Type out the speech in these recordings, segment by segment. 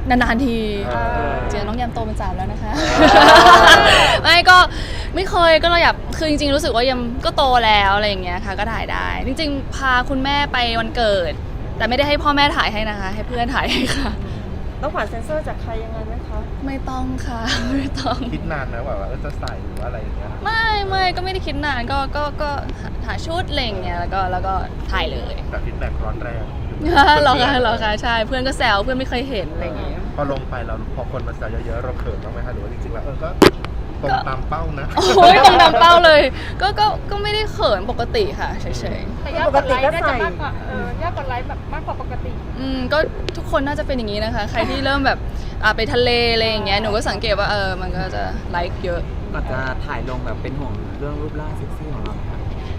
นานๆทีเจอน้องแยมโตเป็นสาวแล้วนะคะไม่ก็ไม่เคยก็เราอยากคือจริงๆรู้สึกว่ายังก็โตแล้วอะไรอย่างเงี้ยค่ะก็ถ่ายได้จริงๆพาคุณแม่ไปวันเกิดแต่ไม่ได้ให้พ่อแม่ถ่ายให้นะคะให้เพื่อนถ่ายให้ค่ะต้องผ่านเซ็นเซอร์จากใครยังไงไหมคะไม่ต้องค่ะไม่ต้องคิดนานนะว่าจะใส่หรือว่าอะไรอย่างเงี้ยไม่ก็ไม่ได้คิดนานก็หาชุดอะไรอย่างเงี้ยแล้วก็ถ่ายเลยแต่ฟีดแบ็กร้อนแรงหรอคะใช่เพื่อนก็แซวเพื่อนไม่เคยเห็นอะไรอย่างเงี้ยพอลงไปเราพอคนมาแซวเยอะๆเราเขินบ้างไหมคะหรือว่าจริงๆแล้วก็ตรงตามเป้านะโอ้ยตรงตามเป้าเลยก็ไม่ได้เขินปกติค่ะเฉยๆแต่ยากกดไลค์น่าจะมากกว่ายากกดไลค์แบบมากกว่าปกติก็ทุกคนน่าจะเป็นอย่างนี้นะคะใครที่เริ่มแบบไปทะเลอะไรอย่างเงี้ยหนูก็สังเกตว่ามันก็จะไลค์เยอะก็จะถ่ายลงแบบเป็นห่วงเรื่องรูปร่างเซ็กซี่ของเราครับ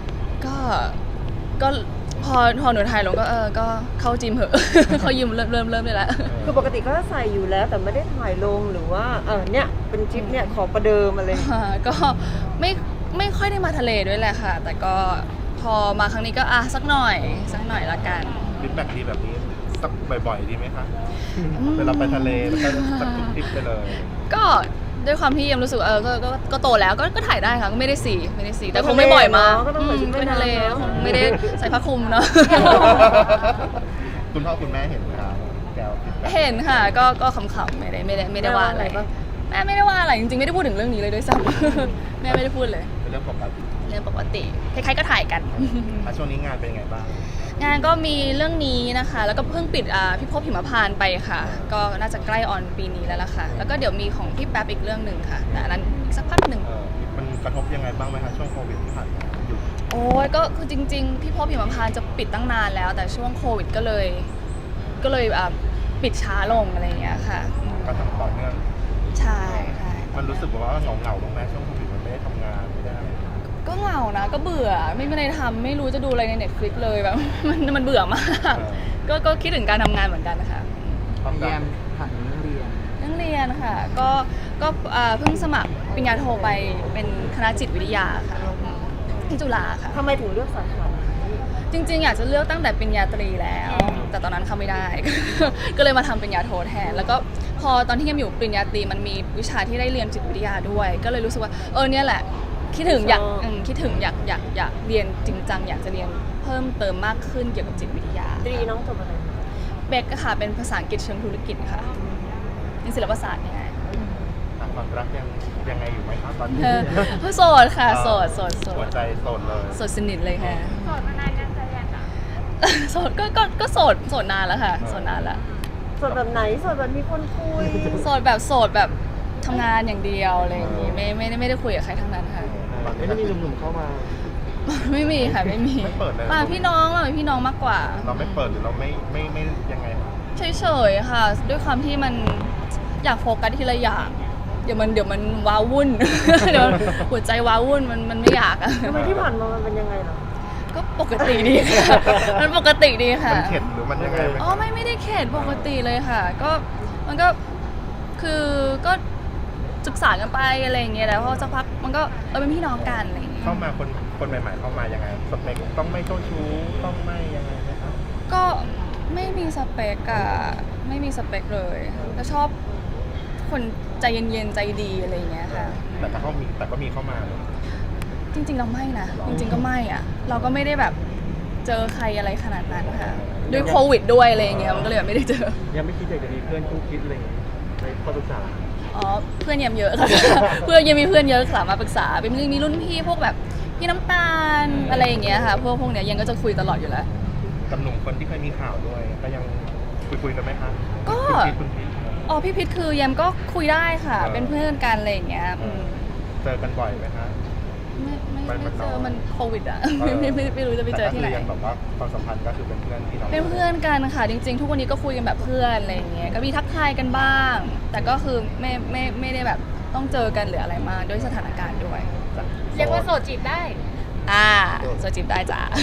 ก็พอหนูถ่ายลงก็เข้าจิมเหอะเขายิมเริ่มได้แล้วคือปกติก็ใส่อยู่แล้วแต่ไม่ได้ถ่ายลงหรือว่าเนี่ยเป็นทริปเนี่ยขอประเดิมอะไรก็ไม่ค่อยได้มาทะเลด้วยแหละค่ะแต่ก็พอมาครั้งนี้ก็สักหน่อยละกันฟีดแบ็กดีแบบนี้สักบ่อยๆดีไหมคะเวลาไปทะเลแล้วก็สักทุกทริปไปเลยก็ด้วยความที่ยังรู้สึกก็โตแล้วก็ถ่ายได้ค่ะก็ไม่ได้สีแต่คงไม่บ่อยมาไปทะเลคงไม่ได้ใส่ผ้าคลุมเนาะคุณพ่อคุณแม่เห็นไหมครับแกวเห็นค่ะก็ขำๆไม่ได้ว่าอะไรแม่ไม่ได้ว่าอะไรจริงๆไม่ได้พูดถึงเรื่องนี้เลยด้วยซ้ำแม่ไม่ได้พูดเลยเป็นเรื่องปกติใครๆก็ถ่ายกันช่วงนี้งานเป็นไงบ้างงานก็มีเรื่องนี้นะคะแล้วก็เพิ่งปิดพี่พบหิมพานต์ไปค่ะก็น่าจะใกล้ออนปีนี้แล้วล่ะค่ะแล้วก็เดี๋ยวมีของพี่แป๊บอีกเรื่องหนึ่งค่ะแต่อันนั้นอีกสักพักหนึ่งมันกระทบยังไงบ้างไหมคะช่วงโควิดที่ผ่านมาอยู่โอ้ยก็คือจริงๆพี่พบหิมพานต์จะปิดตั้งนานแล้วแต่ช่วงโควิดก็เลยปิดช้าลงอะไรอย่างเงี้ยค่ะก็ทำต่อเนื่องใช่มันรู้สึกว่าเหงาบ้างไหมช่วงโควิดมันไม่ได้ทำงานไม่ได้อะไรก็เหงานะก็เบื่อไม่มีอะไรทำไม่รู้จะดูอะไรใน Netflix เลยแบบมันเบื่อมากก็คิดถึงการทำงานเหมือนกันนะคะแยมถามเรื่องเรียนค่ะก็เพิ่งสมัครปริญญาโทไปเป็นคณะจิตวิทยาค่ะที่จุฬาค่ะทำไมถึงเลือกสาขาจริงๆอยากจะเลือกตั้งแต่ปริญญาตรีแล้วแต่ตอนนั้นเข้าไม่ได้ ก็เลยมาทำปริญญาโทแทนแล้วก็พอตอนที่ยังอยู่ปริญญาตรีมันมีวิชาที่ได้เรียนจิตวิทยาด้วยก็เลยรู้สึกว่าเนี่ยแหละคิดถึงอยากเรียนจริงจังอยากจะเรียนเพิ่มเติมมากขึ้นเกี่ยวกับจิตวิทยาตรีน้องจบอะไรเบกค่ะเป็นภาษาอังกฤษเชิงธุรกิจค่ะนี่ศิลปศาสตร์เนี่ยความรักยังไงอยู่ไหมครับตอนนี้โสดค่ะโสดหัวใจโสดเลยโสดสนิทเลยค่ะโสดมานานยังจะยังโสดก็โสดนานแล้วค่ะโสดนานแล้วโสดแบบไหนโสดแบบมีคนคุยโสดแบบทำงานอย่างเดียวอะไรอย่างงี้ไม่ได้คุยกับใครทั้งนั้นค่ะไม่ได้มีหนุ่มๆเข้ามาไม่มีค่ะไม่มีมาพี่น้องมากกว่าเราไม่เปิดหรือเราไม่ยังไงเฉยๆค่ะด้วยความที่มันอยากโฟกัสทีละอย่างเดี๋ยวมันว้าวุ่นเดี๋ยวหัวใจว้าวุ่นมันไม่อยากอะทำไมที่ผ่านมามันเป็นยังไงหรอก็ปกติดีค่ะมันปกติดีค่ะมันเข็ดหรือมันยังไงไม่ได้เข็ดปกติเลยค่ะก็มันก็คือก็ศึกษากันไปอะไรอย่างเงี้ยแล้วพอสักพักมันก็เป็นพี่น้องกันอะไรอย่างเงี้ยเข้ามาคนใหม่ๆเข้ามายังไงสเปคต้องไม่เจ้าชู้ต้องไม่ยังไงนะครับก็ไม่มีสเปคอะไม่มีสเปคเลยแต่ชอบคนใจเย็นๆใจดีอะไรอย่างเงี้ยค่ะแต่ก็มีเข้ามาจริงๆเราไม่นะจริงๆก็ไม่อะเราก็ไม่ได้แบบเจอใครอะไรขนาดนั้นค่ะด้วยโควิดด้วยอะไรอย่างเงี้ยมันก็เลยแบบไม่ได้เจอยังไม่คิดอยากจะมีเพื่อนคู่คิดอะไรอย่างเงี้ยในข้อปรึกษาเพื่อนยังเยอะค่ะเพื่อนยังมีเพื่อนเยอะสามารถปรึกษาเป็นมีรุ่นพี่พวกแบบพี่น้ำตาลอะไรอย่างเงี้ยค่ะพวกเนี้ยยังก็จะคุยตลอดอยู่แล้วกับหนุ่มคนที่เคยมีข่าวด้วยก็ยังคุยกันไหมคะก็พี่พิษคือยังก็คุยได้ค่ะเป็นเพื่อนกันอะไรอย่างเงี้ยเจอกันบ่อยไหมคะไม่เจอมันโควิดอ่ะไม่รู้จะไปเจอที่ไหนแบบว่าความสัมพันธ์ก็คือเป็นเพื่อนที่เราเป็นเพื่อนกันค่ะจริงๆทุกวันนี้ก็คุยกันแบบเพื่อนอะไรอย่างเงี้ยก็มีทักทายกันบ้างแต่ก็คือไม่ได้แบบต้องเจอกันหรืออะไรมากด้วยสถานการณ์ด้วยเรียกว่าโสดจีบได้โสดจีบได้จ้ะ